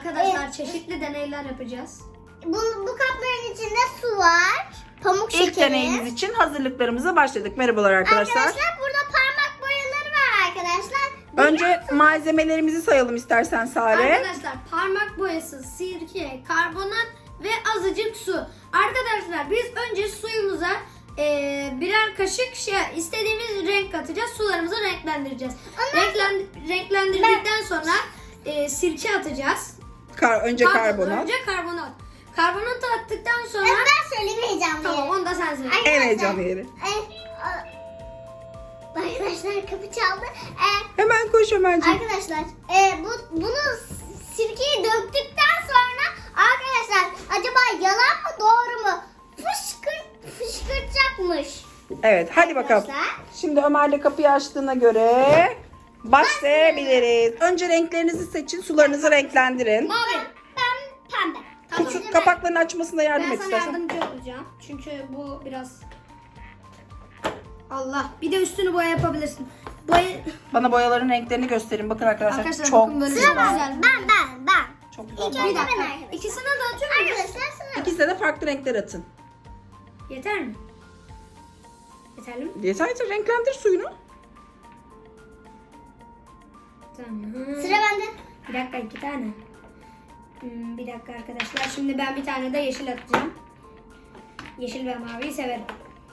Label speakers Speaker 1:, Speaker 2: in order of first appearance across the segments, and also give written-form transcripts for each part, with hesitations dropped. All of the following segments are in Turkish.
Speaker 1: arkadaşlar çeşitli deneyler yapacağız.
Speaker 2: Bu kapların içinde su var. Pamuk şekeri.
Speaker 3: İlk deneyimiz için hazırlıklarımıza başladık. Merhabalar arkadaşlar.
Speaker 2: Arkadaşlar burada parmak boyaları var arkadaşlar.
Speaker 3: Önce malzemelerimizi sayalım istersen Sare.
Speaker 1: Arkadaşlar parmak boyası, sirke, karbonat ve azıcık su. Arkadaşlar biz önce suyumuza birer kaşık istediğimiz renk katacağız. Sularımızı renklendireceğiz. Renklendirdikten sonra sirke atacağız.
Speaker 3: Önce karbonat.
Speaker 1: Önce karbonat. Karbonatı attıktan sonra...
Speaker 2: Ben söyleyeyim heyecanlıyım.
Speaker 1: Tamam, onu da sen söyle.
Speaker 3: En heyecanlı yeri.
Speaker 2: Arkadaşlar kapı çaldı.
Speaker 3: Hemen koş Ömerciğim.
Speaker 2: Arkadaşlar bunu sirkeyi döktükten sonra arkadaşlar acaba yalan mı doğru mu? Fışkırtacakmış.
Speaker 3: Evet hadi bakalım.
Speaker 2: Arkadaşlar.
Speaker 3: Şimdi Ömer de kapıyı açtığına göre başlayabiliriz. Önce renklerinizi seçin, sularınızı renklendirin.
Speaker 1: Mavi.
Speaker 2: Ben pembe.
Speaker 1: Tamam.
Speaker 3: Şu kapakların açmasına yardım
Speaker 1: Ben
Speaker 3: et
Speaker 1: sana
Speaker 3: istersen.
Speaker 1: yardımcı olacağım. Çünkü bu biraz... Allah. Bir de üstünü boya yapabilirsin.
Speaker 3: Bana boyaların renklerini gösterin. Bakın arkadaşlar,
Speaker 1: Arkadaşlar
Speaker 3: çok
Speaker 1: bakın böyle
Speaker 3: güzel.
Speaker 1: çok güzel.
Speaker 2: Ben.
Speaker 3: Çok
Speaker 2: İlk
Speaker 3: güzel.
Speaker 2: önce
Speaker 1: Bir dakika.
Speaker 2: ben arkadaşlar.
Speaker 1: İkisine de atıyorum.
Speaker 2: Arkadaşlar sıra.
Speaker 3: İkisine de farklı renkler atın.
Speaker 1: Yeter mi? Yeterli mi?
Speaker 3: Yeter, renklendir suyunu.
Speaker 1: Tamam.
Speaker 2: Sıra bende.
Speaker 1: Bir dakika, 2 tane. Bir dakika arkadaşlar. Şimdi ben bir tane de yeşil atacağım. Yeşil ve maviyi severim.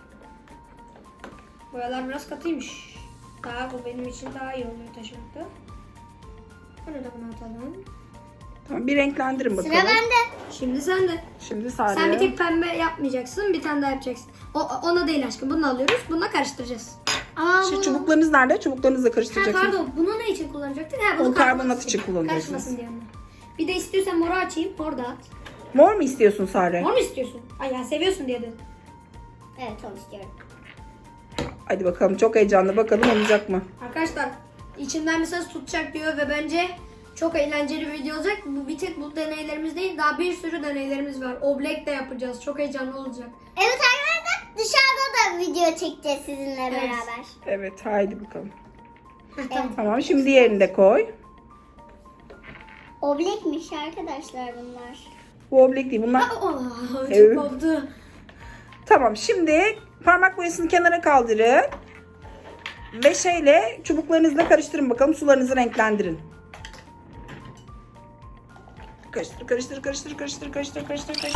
Speaker 1: Boyalar biraz katıymış. Bu benim için daha iyi oluyor taşımakta. Bunu da buna atalım.
Speaker 3: Tamam, bir renklendirin bakalım.
Speaker 2: Sıra bende.
Speaker 1: Şimdi sen de.
Speaker 3: Şimdi Sare.
Speaker 1: Sen bir tek pembe yapmayacaksın. Bir tane daha yapacaksın. Ona değil aşkım. Bunu alıyoruz. Bununla karıştıracağız.
Speaker 2: Ama
Speaker 3: Şu çubuklarınız nerede? Çubuklarınızla karıştıracaksınız.
Speaker 1: Pardon. Bunu ne için kullanacaktık? Bunu
Speaker 3: Onu karbonat için kullanacaksınız.
Speaker 1: Karışmasın diye onu. Bir de istiyorsan moru açayım. Mor da at.
Speaker 3: Mor mu istiyorsun Sare?
Speaker 1: Mor mu istiyorsun? Ay ya seviyorsun diye dedim.
Speaker 2: evet onu istiyorum.
Speaker 3: Hadi bakalım, çok heyecanlı, bakalım olacak mı?
Speaker 1: Arkadaşlar içinden bir ses tutacak diyor ve bence çok eğlenceli bir video olacak. Bu bir tek bu deneylerimiz değil, daha bir sürü deneylerimiz var. Oblek de yapacağız. Çok heyecanlı olacak.
Speaker 2: Evet arkadaşlar dışarıda da video çekeceğiz sizinle beraber.
Speaker 3: Evet, haydi bakalım.
Speaker 2: Evet.
Speaker 3: Tamam, şimdi diğerini de koy.
Speaker 2: Oblekmiş arkadaşlar bunlar.
Speaker 3: Bu oblek değil, bunlar...
Speaker 1: Oh, çok
Speaker 3: Evet.
Speaker 1: oldu.
Speaker 3: Tamam, şimdi parmak boyasını kenara kaldırın. Ve çubuklarınızla karıştırın bakalım, sularınızı renklendirin. Karıştır.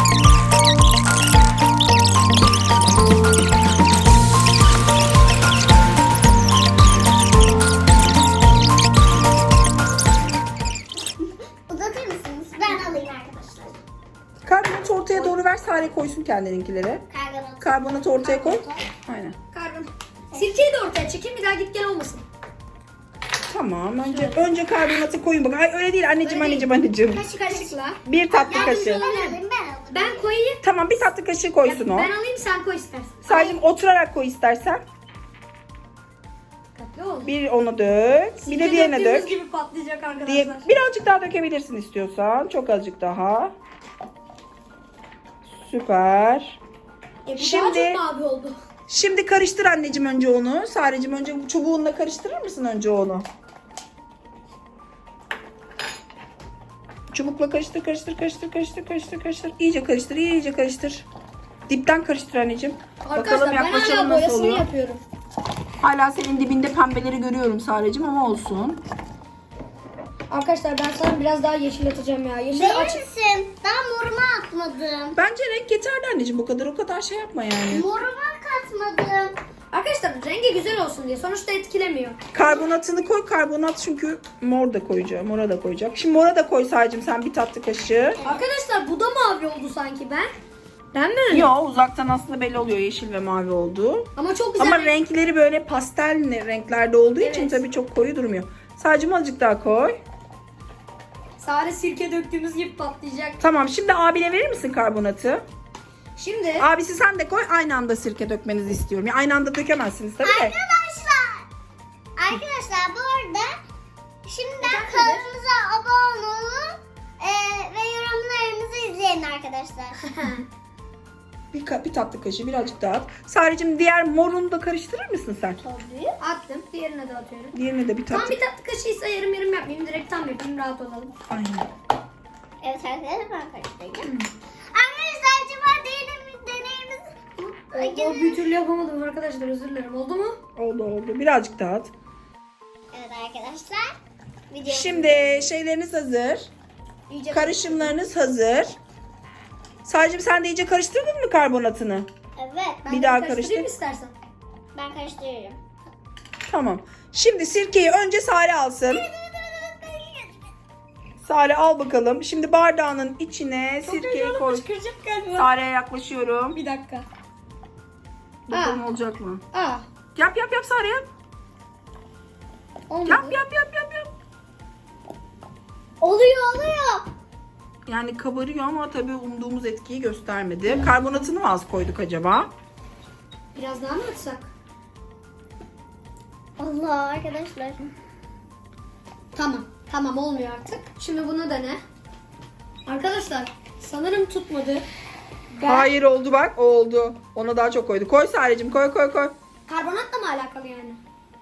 Speaker 2: Uzatır mısınız? Ben alayım arkadaşlar.
Speaker 3: Karbonatı ortaya doğru ver, Sare koysun kendininkileri.
Speaker 2: Karbonat.
Speaker 3: Karbonatı ortaya koy. Aynen.
Speaker 1: Karbon. Sirkeyi de ortaya çekeyim, bir daha git gel olmasın.
Speaker 3: Tamam, önce karbonatı koyun bak. Ay öyle değil anneciğim,
Speaker 1: Öyle değil.
Speaker 3: anneciğim.
Speaker 1: Kaşıkla.
Speaker 3: Bir tatlı
Speaker 1: Yardımcı
Speaker 3: kaşığı.
Speaker 1: olabilir
Speaker 2: Ben
Speaker 1: miyim?
Speaker 2: alayım.
Speaker 1: Ben koyayım.
Speaker 3: Tamam, bir tatlı kaşığı koysun o.
Speaker 1: Ben alayım, sen koy istersen.
Speaker 3: Sadece oturarak koy istersen.
Speaker 1: Dikkatli ol.
Speaker 3: Bir onu dök. Bir de
Speaker 1: Sirke
Speaker 3: diğerine
Speaker 1: döktüğümüz
Speaker 3: dök.
Speaker 1: gibi patlayacak arkadaşlar.
Speaker 3: Birazcık daha dökebilirsin istiyorsan. Çok azıcık daha. Süper.
Speaker 1: Bu
Speaker 3: Şimdi-
Speaker 1: daha çok mavi oldu.
Speaker 3: Şimdi karıştır anneciğim önce onu. Sareciğim önce çubuğunla karıştırır mısın önce onu? Çubukla karıştır. İyice karıştır. Dipten karıştır anneciğim.
Speaker 1: Arkadaşlar
Speaker 3: Bakalım
Speaker 1: ben
Speaker 3: yaklaşalım
Speaker 1: hala
Speaker 3: nasıl
Speaker 1: boyasını
Speaker 3: oluyor.
Speaker 1: yapıyorum.
Speaker 3: Hala senin dibinde pembeleri görüyorum Sareciğim ama olsun.
Speaker 1: Arkadaşlar ben sana biraz daha yeşil atacağım ya. Yeşil
Speaker 2: Değil
Speaker 1: aç.
Speaker 2: misin? Daha moruma atmadım.
Speaker 3: Bence renk yeterli anneciğim, o kadar şey yapma yani.
Speaker 2: Moruma katmadım.
Speaker 1: Arkadaşlar rengi güzel olsun diye. Sonuçta etkilemiyor.
Speaker 3: Karbonatını koy. Karbonat çünkü mora da koyacak. Şimdi mora da koy Sareciğim sen bir tatlı kaşığı.
Speaker 1: Arkadaşlar bu da mavi oldu sanki ben. Ben mi?
Speaker 3: Yo, uzaktan aslında belli oluyor yeşil ve mavi olduğu.
Speaker 1: Ama çok güzel.
Speaker 3: Ama renkleri böyle pastel renklerde olduğu için
Speaker 1: Evet.
Speaker 3: tabii çok koyu durmuyor. Sadece azıcık daha koy.
Speaker 1: Sare sirke döktüğümüz gibi patlayacak.
Speaker 3: Tamam, şimdi abine verir misin karbonatı?
Speaker 1: Şimdi
Speaker 3: Abisi sen de koy, aynı anda sirke dökmenizi istiyorum. Yani aynı anda dökemezsiniz tabii de.
Speaker 2: Arkadaşlar bu arada şimdiden kanalımıza abone olun ve yorumlarımızı izleyin arkadaşlar.
Speaker 3: Bir tatlı kaşığı birazcık daha at. Sareciğim diğer morunu da karıştırır mısın sen?
Speaker 2: Tabii.
Speaker 1: attım. Diğerine de atıyorum.
Speaker 3: Diğerine de bir
Speaker 1: Tam
Speaker 3: tatlı.
Speaker 1: bir tatlı kaşığıysa yarım yapmayayım. Direkt tam yapayım. Rahat olalım.
Speaker 3: Aynen.
Speaker 2: Evet arkadaşlar ben karıştıracağım. Arkadaşlar acaba deneyimiz...
Speaker 1: Bir türlü yapamadım arkadaşlar, özür dilerim. Oldu mu?
Speaker 3: Oldu. Birazcık daha at.
Speaker 2: Evet arkadaşlar. Video
Speaker 3: Şimdi şeyleriniz hazır.
Speaker 2: iyice
Speaker 3: Karışımlarınız hazır. Sadece sen de iyice karıştırdın mı karbonatını?
Speaker 2: Evet.
Speaker 1: Ben
Speaker 3: Bir
Speaker 1: de
Speaker 3: daha
Speaker 1: karıştırayım
Speaker 3: karıştır.
Speaker 1: istersen.
Speaker 2: Ben karıştırıyorum.
Speaker 3: Tamam. Şimdi sirkeyi önce Sare alsın. Sare al bakalım. Şimdi bardağının içine sirkeyi koy.
Speaker 1: Çıkaracak galiba.
Speaker 3: Sare'ye yaklaşıyorum.
Speaker 1: Bir dakika.
Speaker 3: Bakalım olacak mı?
Speaker 1: Aa.
Speaker 3: Yap Sare yap.
Speaker 1: Olmadı.
Speaker 3: Yap.
Speaker 2: Oluyor.
Speaker 3: Yani kabarıyor ama tabii umduğumuz etkiyi göstermedi. Karbonatını mı az koyduk acaba?
Speaker 1: Biraz daha mı atsak?
Speaker 2: Allah arkadaşlar.
Speaker 1: Tamam olmuyor artık. Şimdi bunu dene. Arkadaşlar sanırım tutmadı.
Speaker 3: Hayır oldu bak. O oldu. Ona daha çok koydu. Koy Sare'cim koy.
Speaker 1: Karbonatla mı alakalı yani?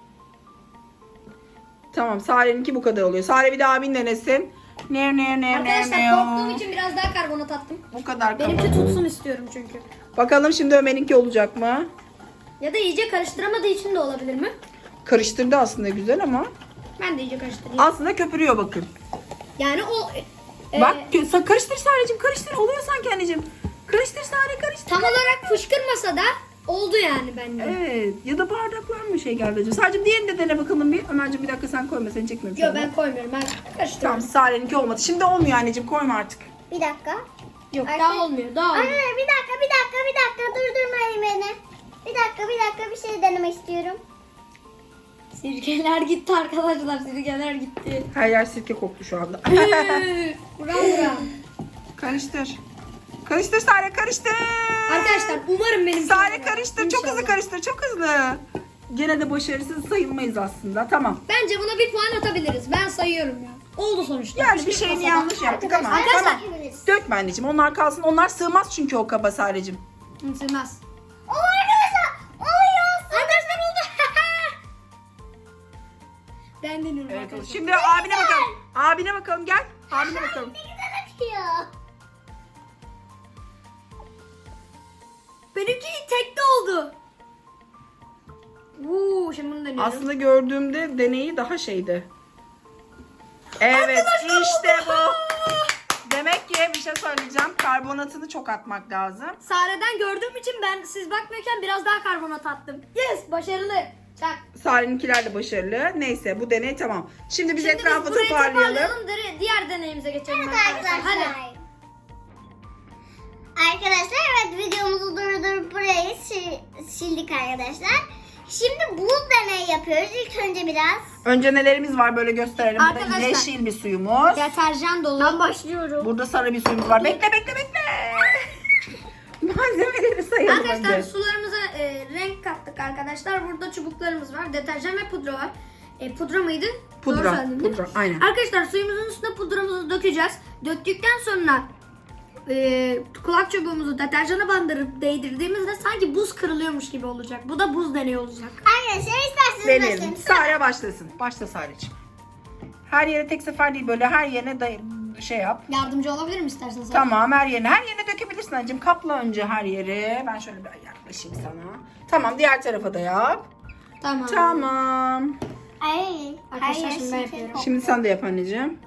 Speaker 3: Tamam Sare'ninki bu kadar oluyor. Sare bir daha abin denesin. Ne.
Speaker 1: Arkadaşlar korktuğum için biraz daha karbonat attım.
Speaker 3: Bu kadar
Speaker 1: Benimki
Speaker 3: kabarıyor.
Speaker 1: tutsun istiyorum çünkü.
Speaker 3: Bakalım şimdi Ömer'inki olacak mı?
Speaker 1: Ya da iyice karıştıramadığı için de olabilir mi?
Speaker 3: Karıştırdı aslında güzel ama
Speaker 1: Ben de iyice karıştırayım.
Speaker 3: aslında köpürüyor bakın.
Speaker 1: Yani o...
Speaker 3: Bak karıştır Sare'cim karıştır. Oluyor sanki anneciğim. Karıştır Sare karıştır.
Speaker 1: Tam olarak fışkırmasa da oldu yani bence.
Speaker 3: Evet. Ya da bardaklar mı şey geldi acaba? Sadece diğerini de dene bakalım bir. Ömerciğim bir dakika sen koyma. Seni çekmiyorum şu
Speaker 1: Yok
Speaker 3: anda.
Speaker 1: ben koymuyorum. Ben
Speaker 3: Tamam
Speaker 1: karıştırıyorum.
Speaker 3: Sare'ninki olmadı. Şimdi olmuyor anneciğim. Koyma artık.
Speaker 2: Bir dakika.
Speaker 1: Yok
Speaker 2: Arkadaş-
Speaker 1: daha olmuyor. Daha olmuyor.
Speaker 2: Anne bir dakika durdurmayın beni. Bir dakika bir şey denemek istiyorum.
Speaker 1: Sirkeler gitti arkadaşlar. Sirkeler gitti.
Speaker 3: Her yer sirke koktu şu anda.
Speaker 1: Buram.
Speaker 3: Karıştır. Karıştır Sare karıştır.
Speaker 1: Arkadaşlar umarım benim...
Speaker 3: Sare karıştır. Çok hızlı
Speaker 1: İnşallah.
Speaker 3: karıştır. Çok hızlı. Gene de başarısız sayılmayız aslında. Tamam.
Speaker 1: Bence buna bir puan atabiliriz. Ben sayıyorum ya. Oldu sonuçta.
Speaker 3: Yani bir
Speaker 1: Fışkırtmasa
Speaker 3: şeyini
Speaker 1: da.
Speaker 3: yanlış yaptık ama.
Speaker 2: Arkadaşlar,
Speaker 3: Tamam.
Speaker 2: hepimiz.
Speaker 3: Dökme anneciğim. Onlar kalsın. Onlar sığmaz çünkü o kaba Sare'cim.
Speaker 1: Sığmaz.
Speaker 2: Oo arkadaşlar. Oluyor.
Speaker 1: Arkadaşlar oldu. Ben deniyorum
Speaker 3: Evet.
Speaker 1: arkadaşlar.
Speaker 3: Şimdi abine bakalım. Abine bakalım gel. Abine bakalım.
Speaker 2: Ne güzel akıyor.
Speaker 1: Benimki tekte oldu. Şimdi bunu deniyorum.
Speaker 3: Aslında gördüğümde deneyi daha şeydi. Evet işte bu. Demek ki bir şey söyleyeceğim. Karbonatını çok atmak lazım.
Speaker 1: Sare'den gördüğüm için ben siz bakmıyorken biraz daha karbonat attım. Yes başarılı. Çak.
Speaker 3: Sare'ninkiler de başarılı. Neyse bu deney tamam. Şimdi biz
Speaker 1: Şimdi
Speaker 3: etrafı
Speaker 1: biz burayı
Speaker 3: toparlayalım.
Speaker 1: Diğer deneyimize geçelim
Speaker 2: Evet
Speaker 1: arkadaşlar. Hadi.
Speaker 2: arkadaşlar. Arkadaşlar evet videomuzu durdurup burayı sildik arkadaşlar. Şimdi buz deneyi yapıyoruz. İlk önce biraz.
Speaker 3: Önce nelerimiz var böyle gösterelim. Burada
Speaker 1: Arkadaşlar.
Speaker 3: yeşil bir suyumuz.
Speaker 1: Deterjan dolu. Ben başlıyorum.
Speaker 3: Burada sarı bir suyumuz var. Bekle. Malzemeleri sayalım
Speaker 1: Arkadaşlar
Speaker 3: önce.
Speaker 1: sularımıza renk kattık arkadaşlar. Burada çubuklarımız var. Deterjan ve pudra var. Pudra mıydı? Doğru
Speaker 3: Pudra.
Speaker 1: söyledim değil mi?
Speaker 3: Pudra. Aynen.
Speaker 1: Arkadaşlar suyumuzun üstüne pudramızı dökeceğiz. Döktükten sonra kulak çubuğumuzu deterjana bandırıp değdirdiğimizde sanki buz kırılıyormuş gibi olacak. Bu da buz deneyi olacak.
Speaker 2: Arkadaşlar isterseniz
Speaker 3: Deneyelim.
Speaker 2: başlayın.
Speaker 3: Sare başlasın. Başla Sare'ciğim. Her yere tek sefer değil böyle her yerine şey yap.
Speaker 1: Yardımcı olabilir mi istersen sen?
Speaker 3: Tamam her yerine dökebilirsin anneciğim. Kapla önce her yeri. Ben şöyle bir yaklaşayım sana. Tamam diğer tarafa da yap.
Speaker 1: Tamam.
Speaker 3: Tamam.
Speaker 2: Ay.
Speaker 1: Arkadaşlar
Speaker 2: Hayır,
Speaker 1: şimdi ben yapıyorum.
Speaker 3: Şimdi sen de yap anneciğim.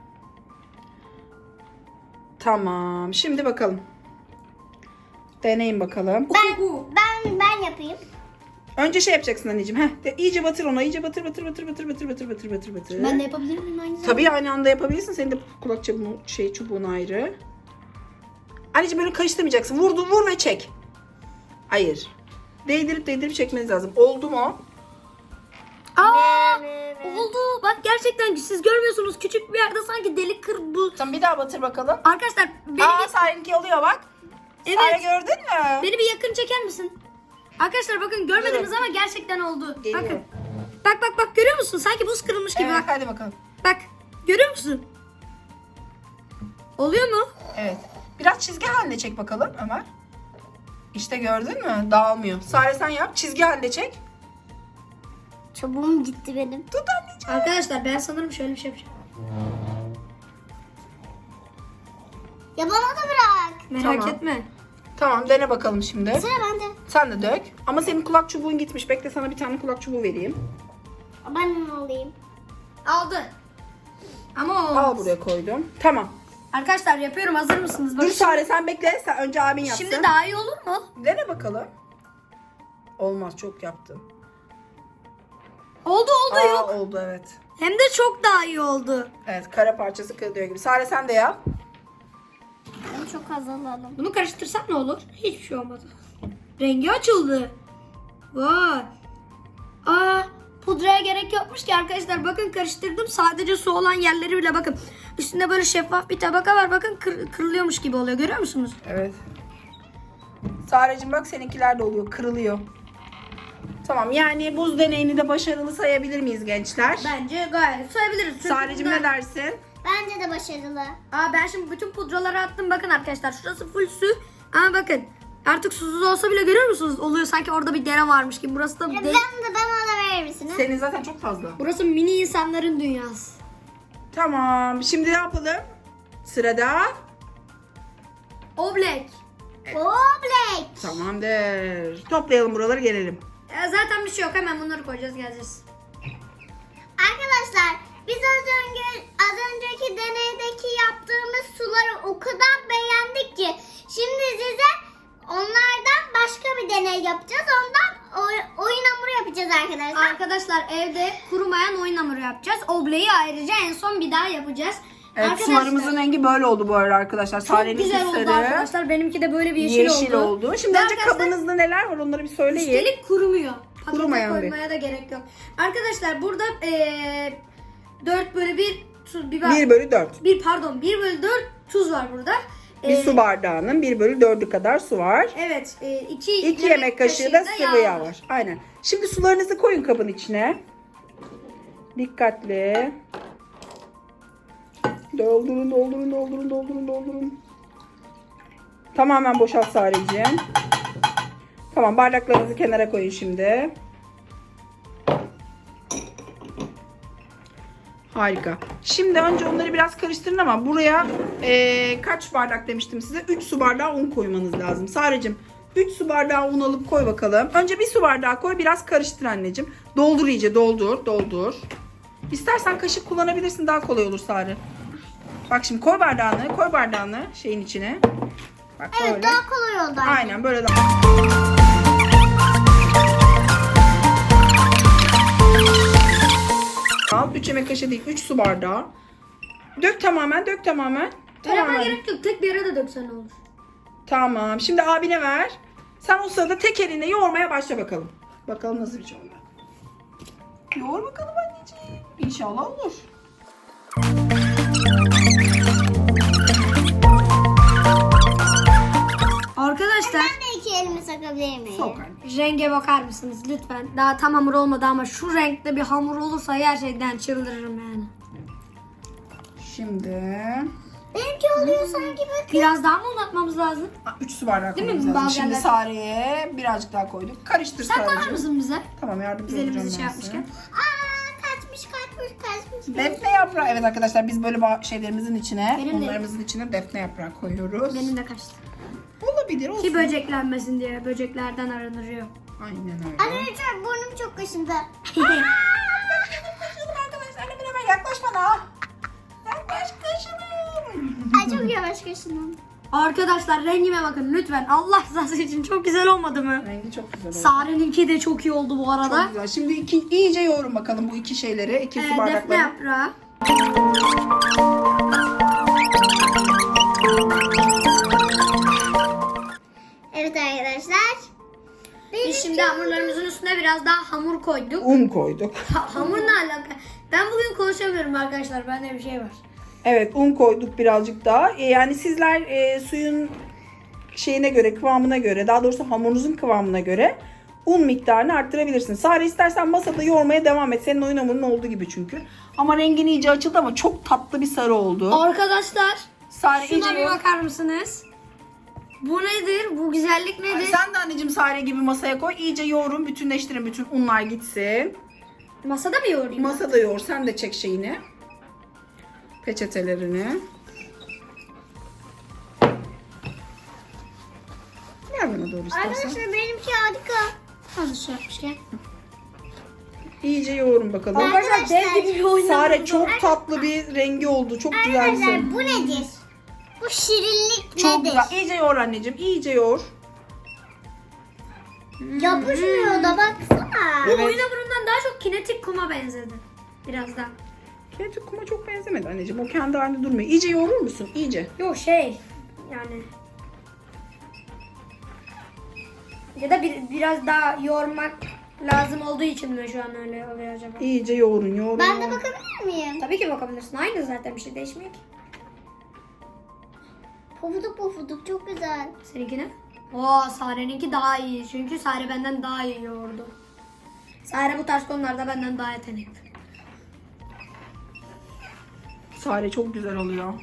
Speaker 3: Tamam. Şimdi bakalım. Deneyin bakalım.
Speaker 2: Ben yapayım.
Speaker 3: Önce şey yapacaksın anneciğim. İyice batır ona. İyice batır.
Speaker 1: Ben de yapabilir miyim aynı zamanda?
Speaker 3: Tabii aynı anda yapabilirsin. Senin de kulak çubuğun ayrı. Anneciğim böyle karıştırmayacaksın. Vur ve çek. Hayır. Değdirip çekmeniz lazım. Oldu mu?
Speaker 1: Aa! Oldu. Bak gerçekten siz görmüyorsunuz. Küçük bir yerde sanki delik bu.
Speaker 3: Tamam bir daha batır bakalım.
Speaker 1: Arkadaşlar
Speaker 3: Sare'ninki oluyor bak.
Speaker 1: Evet.
Speaker 3: Sare gördün mü?
Speaker 1: beni bir yakın çeker misin? Arkadaşlar bakın görmediniz ama gerçekten oldu.
Speaker 3: Geliyor.
Speaker 1: Bakın. Bak görüyor musun? Sanki buz kırılmış gibi
Speaker 3: Evet
Speaker 1: bak.
Speaker 3: hadi bakalım.
Speaker 1: Bak. Görüyor musun? Oluyor mu?
Speaker 3: Evet. Biraz çizgi halinde çek bakalım Ömer. İşte gördün mü? Dağılmıyor. Sare sen yap. Çizgi halinde çek.
Speaker 2: Çubuğum gitti benim.
Speaker 3: Tut anneciğim.
Speaker 1: Arkadaşlar ben sanırım şöyle bir şey yapacağım.
Speaker 2: Ya bana da bırak.
Speaker 1: Merak
Speaker 3: Tamam.
Speaker 1: etme.
Speaker 3: Tamam, dene bakalım şimdi.
Speaker 2: Sıra bende.
Speaker 3: Sen de dök. Ama senin kulak çubuğun gitmiş. Bekle, sana bir tane kulak çubuğu vereyim.
Speaker 2: Ben onu alayım.
Speaker 1: Aldı. Ama o
Speaker 3: Al, buraya koydum. Tamam.
Speaker 1: Arkadaşlar yapıyorum. Hazır mısınız?
Speaker 3: Dur
Speaker 1: Bakın
Speaker 3: Sare, sen bekle. Sen önce abin yapsın.
Speaker 1: şimdi daha iyi olur mu?
Speaker 3: Dene bakalım. Olmaz, çok yaptın.
Speaker 1: Oldu
Speaker 3: Aa,
Speaker 1: yok.
Speaker 3: oldu evet.
Speaker 1: Hem de çok daha iyi oldu.
Speaker 3: Evet, kara parçası kırılıyor gibi. Sare, sen de yap.
Speaker 2: Ben çok az alalım.
Speaker 1: Bunu karıştırsak ne olur? Hiçbir şey olmadı. Rengi açıldı. Vay. Aa, pudraya gerek yokmuş ki arkadaşlar. Bakın karıştırdım. Sadece su olan yerleri bile bakın. Üstünde böyle şeffaf bir tabaka var. Bakın kırılıyormuş gibi oluyor. Görüyor musunuz?
Speaker 3: Evet. Sarecim bak, seninkiler de oluyor. Kırılıyor. Tamam, yani buz deneyini de başarılı sayabilir miyiz gençler?
Speaker 1: Bence gayet sayabiliriz. Çünkü
Speaker 3: Sarecim
Speaker 1: bunda-
Speaker 3: ne dersin?
Speaker 2: Bence de başarılı.
Speaker 1: Aa, ben şimdi bütün pudraları attım. Bakın arkadaşlar, şurası full su. Ama bakın artık susuz olsa bile görüyor musunuz? Oluyor sanki orada bir dere varmış gibi. Burası da
Speaker 2: Ben de bana verir misiniz?
Speaker 3: Senin zaten çok fazla.
Speaker 1: burası mini insanların dünyası.
Speaker 3: Tamam, şimdi ne yapalım? Sırada
Speaker 1: Oblek.
Speaker 2: Oblek.
Speaker 3: tamamdır. Toplayalım buraları, gelelim.
Speaker 1: Zaten bir şey yok. Hemen bunları koyacağız, geleceğiz.
Speaker 2: Arkadaşlar biz az önceki deneydeki yaptığımız suları o kadar beğendik ki şimdi size onlardan başka bir deney yapacağız. Ondan oyun hamuru yapacağız arkadaşlar.
Speaker 1: Arkadaşlar evde kurumayan oyun hamuru yapacağız. Obleyi ayrıca en son bir daha yapacağız.
Speaker 3: Evet,
Speaker 1: Arkadaşlar,
Speaker 3: sularımızın rengi böyle oldu bu arada arkadaşlar.
Speaker 1: çok
Speaker 3: Sareninki
Speaker 1: güzel oldu
Speaker 3: sarı,
Speaker 1: arkadaşlar. Benimki de böyle bir
Speaker 3: yeşil oldu. Şimdi
Speaker 1: Ve
Speaker 3: önce
Speaker 1: arkadaşlar,
Speaker 3: kabınızda neler var onları bir söyleyin.
Speaker 1: üstelik kurumuyor. Pakete
Speaker 3: Kurumayan bir.
Speaker 1: koymaya da gerek yok. Arkadaşlar burada 4 bölü 1 tuz biber.
Speaker 3: 1/4.
Speaker 1: 1 bölü 4 tuz var burada.
Speaker 3: Bir su bardağının 1/4'ü kadar su var.
Speaker 1: Evet.
Speaker 3: 2 yemek kaşığı da sıvı yağ var. Aynen. Şimdi sularınızı koyun kabın içine. Dikkatli. Doldurun, doldurun, doldurun, doldurun, doldurun. Tamamen boşalt Sareciğim. Tamam, bardaklarınızı kenara koyun şimdi. Harika. Şimdi önce onları biraz karıştırın ama buraya kaç bardak demiştim size? 3 su bardağı un koymanız lazım. Sareciğim 3 su bardağı un alıp koy bakalım. Önce 1 su bardağı koy, biraz karıştır anneciğim. Doldur iyice, doldur, doldur. İstersen kaşık kullanabilirsin, daha kolay olur Sare. Bak şimdi koy bardağını şeyin içine. Bak
Speaker 2: Evet,
Speaker 3: böyle.
Speaker 2: daha kolay oldu.
Speaker 3: Aynen böyle daha. Al 3 yemek kaşığı değil, 3 su bardağı. Dök tamamen, dök tamamen.
Speaker 1: Öyle
Speaker 3: Tamamen.
Speaker 1: gerek yok. Tek bir yere de döksen olur.
Speaker 3: Tamam. Şimdi abine ver. Sen o sırada tek elinle yoğurmaya başla bakalım. Bakalım nasıl bir şey oluyor. Yoğur bakalım anneciğim. İnşallah olur.
Speaker 1: Arkadaşlar
Speaker 2: Ben de 2 elimi sakabilir miyim?
Speaker 3: Sok anne.
Speaker 1: renge bakar mısınız lütfen? Daha tam hamur olmadı ama şu renkte bir hamur olursa gerçekten çıldırırım yani.
Speaker 3: Şimdi
Speaker 2: Benimki oluyor sanki bakın.
Speaker 1: Biraz daha mı uzatmamız lazım?
Speaker 3: 3 su bardağı
Speaker 1: Değil mi?
Speaker 3: koymamız lazım.
Speaker 1: Bazı
Speaker 3: Şimdi
Speaker 1: yerler-
Speaker 3: Sare'ye birazcık daha koyduk. Karıştır
Speaker 1: Sen koyar
Speaker 3: Sare'cim.
Speaker 1: mısın bize?
Speaker 3: Tamam, yardımcı
Speaker 1: Biz
Speaker 3: olacağım
Speaker 1: elimizi şey
Speaker 3: ben size.
Speaker 1: yapmışken.
Speaker 2: Kaçmış.
Speaker 3: Defne yaprağı. Evet arkadaşlar, biz böyle şeylerimizin içine,
Speaker 1: Benim de.
Speaker 3: unlarımızın içine defne yaprağı koyuyoruz.
Speaker 1: Benim de kaçtı.
Speaker 3: Olabilir, olsun.
Speaker 1: Ki böceklenmesin diye böceklerden arındırıyor.
Speaker 3: Aynen öyle.
Speaker 2: Arkadaşlar burnum çok kaşındı.
Speaker 3: Kaşındım arkadaşlar. Hemen yaklaş bana. Yaklaş, kaşınım.
Speaker 2: Ay çok yavaş kaşındım.
Speaker 1: Arkadaşlar rengime bakın lütfen. Allah rızası için çok güzel olmadı mı?
Speaker 3: Rengi çok güzel oldu.
Speaker 1: Sare'ninki de çok iyi oldu bu arada.
Speaker 3: Çok güzel. Şimdi iyice yoğurun bakalım bu iki şeyleri. 2 su
Speaker 1: Defne
Speaker 3: bardakları.
Speaker 1: yaprağı.
Speaker 2: Evet arkadaşlar.
Speaker 1: Biz şimdi hamurlarımızın üstüne biraz daha hamur koyduk.
Speaker 3: Un koyduk.
Speaker 1: Hamur ne alaka? Ben bugün konuşamıyorum arkadaşlar. Bende bir şey var.
Speaker 3: Evet, un koyduk birazcık daha. Yani sizler suyun şeyine göre, kıvamına göre, daha doğrusu hamurunuzun kıvamına göre un miktarını arttırabilirsiniz. Sare, istersen masada yoğurmaya devam et. Senin oyun hamurun olduğu gibi çünkü. Ama rengin iyice açıldı ama çok tatlı bir sarı oldu.
Speaker 1: Arkadaşlar
Speaker 3: Sare
Speaker 1: şuna
Speaker 3: iyice
Speaker 1: bir
Speaker 3: yoğur.
Speaker 1: bakar mısınız? Bu nedir? Bu güzellik nedir?
Speaker 3: Sen de anneciğim Sare gibi masaya koy. İyice yoğurun, bütünleştirin. Bütün unlar gitsin.
Speaker 1: Masada mı yoğurayım?
Speaker 3: Masada yoğur. Sen de çek şeyini. Peçetelerini. yana doğru istersen.
Speaker 2: Arkadaşlar benimki harika.
Speaker 1: Hazır su yapmışken.
Speaker 3: İyice yoğurun bakalım.
Speaker 1: Arkadaşlar dev gibi bir oyun.
Speaker 3: Sare çok tatlı bir rengi oldu. Çok güzel bir şey.
Speaker 2: Arkadaşlar bu nedir? Bu şirinlik
Speaker 3: Çok
Speaker 2: nedir?
Speaker 3: güzel. İyice yoğur anneciğim. İyice yoğur.
Speaker 2: Yapışmıyor da baksana.
Speaker 3: Evet.
Speaker 1: Oyun hamurundan daha çok kinetik kuma benzedi. Biraz da.
Speaker 3: Kinetik kuma çok benzemedi anneciğim. O kendi halinde durmuyor. İyice yoğurur musun? İyice.
Speaker 1: Yok yani. Ya da biraz daha yoğurmak lazım olduğu için mi şu an öyle oluyor acaba?
Speaker 3: İyice yoğurun, yoğurun.
Speaker 2: Ben de bakabilir miyim?
Speaker 1: Tabii ki bakabilirsin. Aynı zaten, bir şey değişmiyor ki.
Speaker 2: Pofuduk pofuduk çok güzel.
Speaker 1: Seninki ne? Oo, Sare'ninki daha iyi. Çünkü Sare benden daha iyi yoğurdu. Sare bu tarz konularda benden daha yetenekli.
Speaker 3: Sare çok güzel oluyor.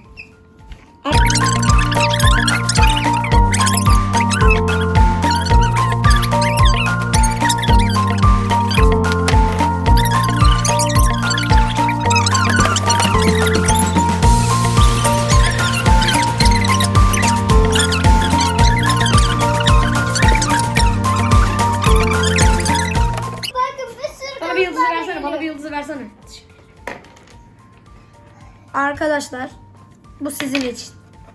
Speaker 2: Bakın bir sürü
Speaker 1: Bana bir yıldızı
Speaker 2: kalıplar
Speaker 1: versene. Bana
Speaker 2: geliyor.
Speaker 1: bir yıldızı versene. Arkadaşlar, bu sizin için.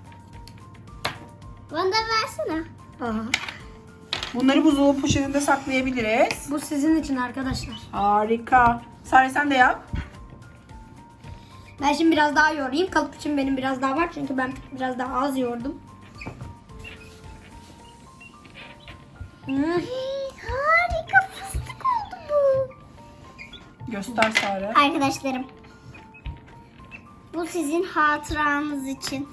Speaker 2: Bana da versene.
Speaker 1: Aha.
Speaker 3: Bunları buzdolabı poşetinde saklayabiliriz.
Speaker 1: Bu sizin için arkadaşlar.
Speaker 3: Harika. Sare sen de yap.
Speaker 1: Ben şimdi biraz daha yoğurayım. Kalıp için benim biraz daha var. Çünkü ben biraz daha az yoğurdum.
Speaker 2: Harika fıstık oldu bu.
Speaker 3: Göster Sare.
Speaker 2: Arkadaşlarım. Bu sizin hatıranız için.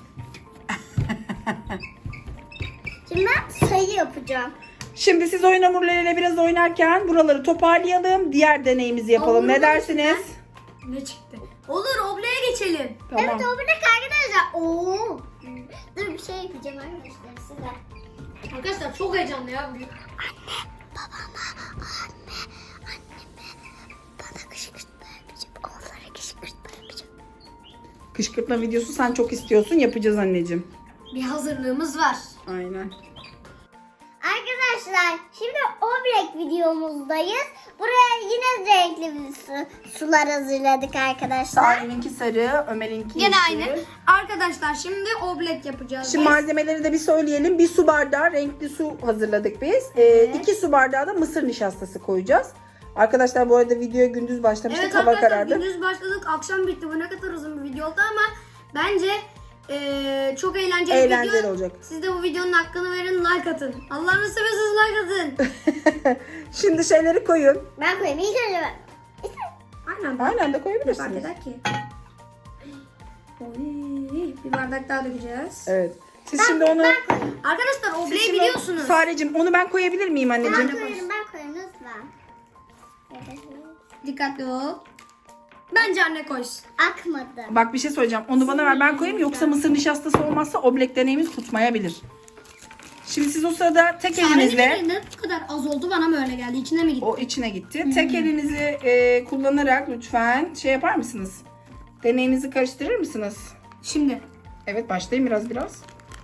Speaker 2: Şimdi ben sayı yapacağım.
Speaker 3: Şimdi siz oyun hamurlarıyla biraz oynarken buraları toparlayalım. Diğer deneyimizi yapalım. Ne dersiniz?
Speaker 1: Ne çıktı? Olur, obleye geçelim.
Speaker 3: Tamam.
Speaker 2: Evet o bir arkadaşlar. Oo. Dur bir şey yapacağım arkadaşlar size.
Speaker 1: Arkadaşlar çok heyecanlı ya bugün.
Speaker 2: Bana kışkırtma yapacağım. Onlara kışkırtma yapacağım.
Speaker 3: Kışkırtma videosu sen çok istiyorsun. Yapacağız anneciğim.
Speaker 1: Bir hazırlığımız var.
Speaker 3: Aynen.
Speaker 2: Arkadaşlar şimdi obrek videomuzdayız. Buraya yine renkli bir sular hazırladık arkadaşlar.
Speaker 3: Sare'ninki sarı, Ömer'inki
Speaker 1: Gene
Speaker 3: yeşil.
Speaker 1: aynı. Arkadaşlar şimdi oblek yapacağız.
Speaker 3: Şimdi malzemeleri de bir söyleyelim. 1 su bardağı renkli su hazırladık biz. 2 su bardağı da mısır nişastası koyacağız. Arkadaşlar bu arada videoya gündüz başlamıştık.
Speaker 1: Evet
Speaker 3: Hava
Speaker 1: arkadaşlar,
Speaker 3: karardı.
Speaker 1: gündüz başladık, akşam bitti. Bu ne kadar uzun bir video oldu ama bence çok eğlenceli bir
Speaker 3: Eğlenceli
Speaker 1: video.
Speaker 3: olacak.
Speaker 1: Siz de bu videonun hakkını verin, like atın. Allah'ını seversiniz, like atın.
Speaker 3: Şimdi şeyleri koyun.
Speaker 2: Ben koyayım ilk önce ben.
Speaker 1: Aynen.
Speaker 3: Aynen de
Speaker 1: Fark
Speaker 3: koyabilirsiniz.
Speaker 1: eder ki. Oy, bir bardak daha dökeceğiz.
Speaker 3: Evet. Siz şimdi onu...
Speaker 1: Arkadaşlar
Speaker 3: Siz
Speaker 1: obleyi
Speaker 3: şimdi-
Speaker 1: biliyorsunuz.
Speaker 3: Sarecim onu ben koyabilir miyim anneciğim?
Speaker 2: Ben koyarım lütfen.
Speaker 1: Dikkatli ol. Bence anne koysun.
Speaker 2: Akmadı.
Speaker 3: Bak bir şey söyleyeceğim. Onu bana ver ben koyayım yoksa mısır nişastası olmazsa oblek deneyimiz tutmayabilir. Şimdi siz o sırada tek elinizle
Speaker 1: Ne bu kadar az oldu, bana mı öyle geldi? İçine mi gitti?
Speaker 3: o içine gitti. Tek elinizi kullanarak lütfen şey yapar mısınız? Deneyinizi karıştırır mısınız?
Speaker 1: Şimdi.
Speaker 3: Evet başlayın biraz.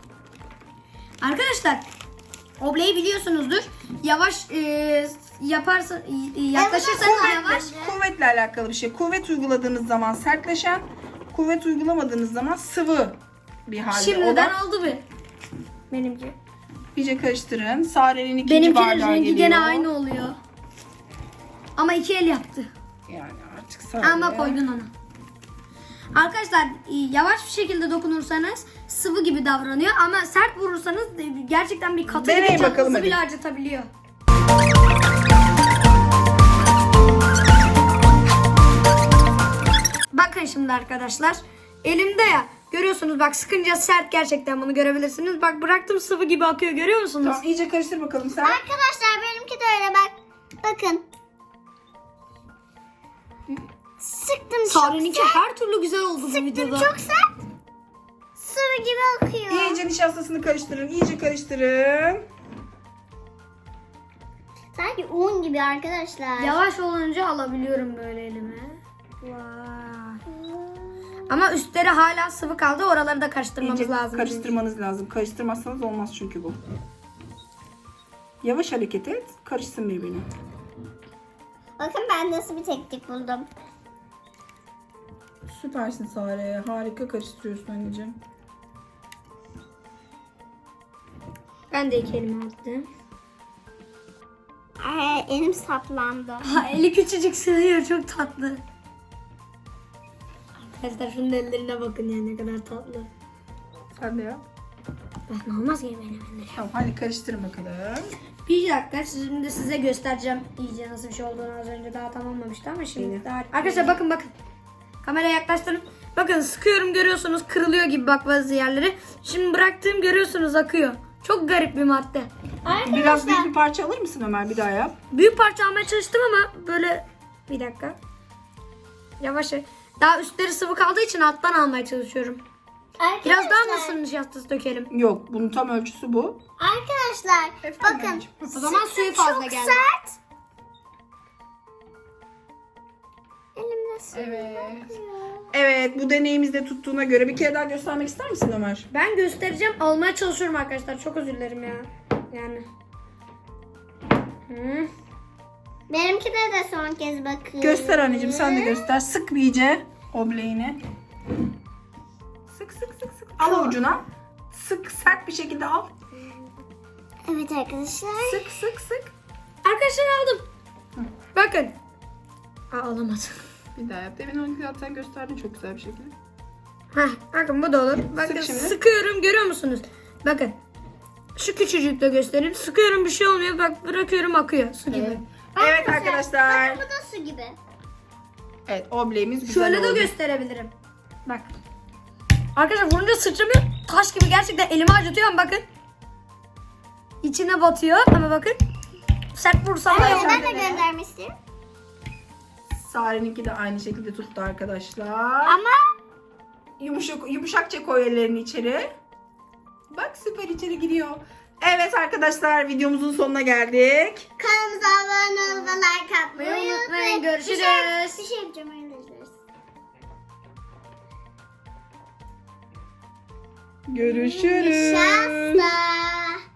Speaker 1: Arkadaşlar obleyi biliyorsunuzdur. Yavaş yaparsan yaklaşırsanız yavaş.
Speaker 3: Kuvvetle alakalı bir şey. Kuvvet uyguladığınız zaman sertleşen, kuvvet uygulamadığınız zaman sıvı bir halde
Speaker 1: Şimdiden
Speaker 3: olan.
Speaker 1: oldu bir. Benimki.
Speaker 3: İyice karıştırın. Sare'nin ikinci
Speaker 1: Benimkinin
Speaker 3: bardağı
Speaker 1: rengi
Speaker 3: geliyor.
Speaker 1: gene aynı oluyor. Ama 2 el yaptı.
Speaker 3: Yani artık Sare.
Speaker 1: Ama koydun onu. Arkadaşlar yavaş bir şekilde dokunursanız sıvı gibi davranıyor ama sert vurursanız gerçekten bir katı
Speaker 3: Deneyin
Speaker 1: gibi
Speaker 3: bakalım
Speaker 1: canınızı
Speaker 3: hadi.
Speaker 1: bile acıtabiliyor. Bakın şimdi arkadaşlar. Elimde ya. Görüyorsunuz bak, sıkınca sert, gerçekten bunu görebilirsiniz. Bak bıraktım, sıvı gibi akıyor, görüyor musunuz?
Speaker 3: Tamam iyice karıştır bakalım sen.
Speaker 2: Arkadaşlar benimki de öyle bak. Bakın. Sıktım çok
Speaker 1: Sare'ninki
Speaker 2: sert.
Speaker 1: her türlü güzel oldu bu
Speaker 2: Sıktım
Speaker 1: videoda.
Speaker 2: çok sert. Sıvı gibi akıyor.
Speaker 3: İyice nişastasını karıştırın. İyice karıştırın.
Speaker 2: Sanki un gibi arkadaşlar.
Speaker 1: Yavaş olunca alabiliyorum böyle elime. Vay. Ama üstleri hala sıvı kaldı. Oraları da karıştırmamız
Speaker 3: İyice
Speaker 1: lazım.
Speaker 3: karıştırmanız lazım. Karıştırmazsanız olmaz çünkü bu. Yavaş hareket et. Karışsın birbirine.
Speaker 2: Bakın ben nasıl bir teknik buldum.
Speaker 3: Süpersin Sare. Harika karıştırıyorsun anneciğim.
Speaker 1: Ben de 2 elime attım.
Speaker 2: Ay, elim saplandı.
Speaker 1: Ha, eli küçücük sığıyor, çok tatlı. Arkadaşlar şunun ellerine bakın ya, ne kadar tatlı.
Speaker 3: Sen de yap.
Speaker 1: Ben olmaz ki benim ellerim.
Speaker 3: Tamam hadi karıştırın bakalım.
Speaker 1: Bir dakika, şimdi size göstereceğim iyice nasıl bir şey olduğunu. Az önce daha tamamlamıştı ama şimdi
Speaker 3: İyi.
Speaker 1: daha... Arkadaşlar bakın. Kameraya yaklaştırın. Bakın sıkıyorum, görüyorsunuz kırılıyor gibi bak bazı yerleri. Şimdi bıraktığım görüyorsunuz akıyor. Çok garip bir madde.
Speaker 3: Biraz büyük bir parça alır mısın Ömer? Bir daha yap.
Speaker 1: Büyük parça almaya çalıştım ama böyle... Bir dakika. Yavaş. Daha üstleri sıvı kaldığı için alttan almaya çalışıyorum. Biraz daha mı ısınmış nişastası dökelim?
Speaker 3: Yok, bunun tam ölçüsü bu.
Speaker 2: Arkadaşlar
Speaker 3: Efendim
Speaker 2: bakın.
Speaker 3: anneciğim?
Speaker 1: O zaman suyu fazla
Speaker 2: çok
Speaker 1: geldi.
Speaker 2: sert. Elimde su.
Speaker 3: Evet. Evet, bu deneyimizde tuttuğuna göre bir kere daha göstermek ister misin Ömer?
Speaker 1: Ben göstereceğim. Almaya çalışıyorum arkadaşlar. Çok özür dilerim ya. Yani.
Speaker 2: Benimki de son kez bakın.
Speaker 3: Göster anneciğim, sen de göster. Sık bir iyice obleğini. Sık. Al avucuna. Sık, sert bir şekilde al.
Speaker 2: Evet arkadaşlar.
Speaker 3: Sık.
Speaker 1: Arkadaşlar aldım. Bakın. Alamadım.
Speaker 3: Bir daha yap. Demin onu zaten gösterdin çok güzel bir şekilde.
Speaker 1: Bakın bu da olur. Bakın
Speaker 3: Sık şimdi.
Speaker 1: sıkıyorum, görüyor musunuz? Bakın. Şu küçücükle göstereyim. Sıkıyorum, bir şey olmuyor. Bak bırakıyorum, akıyor. Su gibi.
Speaker 3: Evet arkadaşlar.
Speaker 2: Bakın bu da su gibi.
Speaker 3: Evet, obleğimiz güzel
Speaker 1: Şöyle
Speaker 3: oldu.
Speaker 1: de gösterebilirim. Bak. Arkadaşlar vurunca sıçramıyor. Taş gibi, gerçekten elimi acıtıyor ama bakın. İçine batıyor ama bakın. Sert vursam da
Speaker 2: Ben
Speaker 1: yapar.
Speaker 2: de göndermiştim.
Speaker 3: Sare'ninki de aynı şekilde tuttu arkadaşlar.
Speaker 2: Ama
Speaker 3: Yumuşakça koy ellerini içeri. Bak süper içeri giriyor. Evet arkadaşlar, videomuzun sonuna geldik.
Speaker 2: kanalımıza abone olup like atmayı unutmayın.
Speaker 1: Görüşürüz.
Speaker 2: Bir şey yapacağım arkadaşlar.
Speaker 3: Görüşürüz.
Speaker 2: Nişasta.